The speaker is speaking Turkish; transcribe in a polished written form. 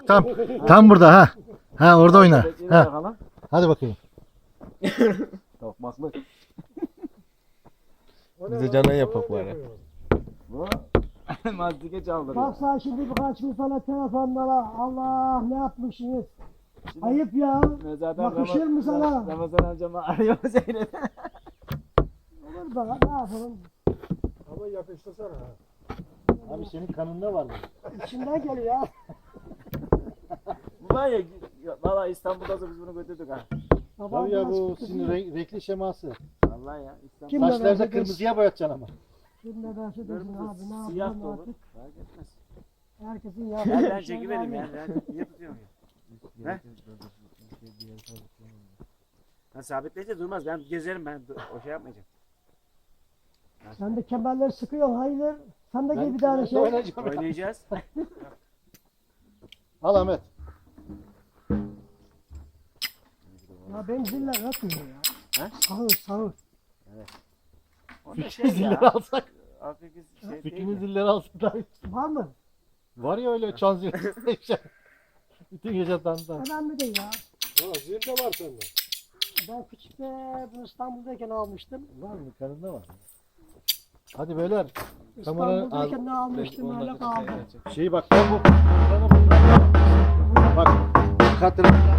Tam burada ha. Ha orada oyna. Ha. Hadi bakayım. Tokmaklık. Bize canan yapak var ya. Bu mazdike çaldırıyor. Baksa şimdi birkaç gün sonra telefonlara Allah ne yapmışsınız? Ayıp ya. Yakışır mı sana? Ramazan amcamı arıyor Zeynep. Olur da ne yapalım? Ama yapıştırsana ha. Abi senin kanında var mı? İçinden geliyor ya. Bu var ya valla İstanbul'da da biz bunu götürdük ha. Tabii ya bu sizin renkli şeması. Vallahi ya İstanbul. Kim- Kimle Saçlarını beraber- kırmızıya boyatacaksın ama. Kim ne derse desin abi ne Siyah yapalım da olur. artık. Fark etmez. Herkesin Ya yaptığı ben bir şey çekivereyim var ya. Ben niye tutuyorum ya? He? Ben sabitleyince durmaz. Ben gezerim ben. O şey yapmayacağım. Sen de kemerleri sıkıyorsun hayırdır? Sen de Ben gel bir tane şey. oynayacağım. Oynayacağız. Al Ahmet. Ya benim ziller yatmıyor ya. He? Sağır sağır. Onda şey Zilleri ya. alsak. Hafif şey değil Fikrini ya. zilleri alsak daha iyi. Var mı? Var ya öyle çan zilleri. Bütün gece dandan. Önemli değil ya. Zil de var sende. Ben küçükte bu İstanbul'dayken almıştım. Var mı? Kanında var. Hadi beyler. Kameranın İstanbul'dayken ne almıştım öyle kaldı. Şeyi bak ben bu. Bak katırın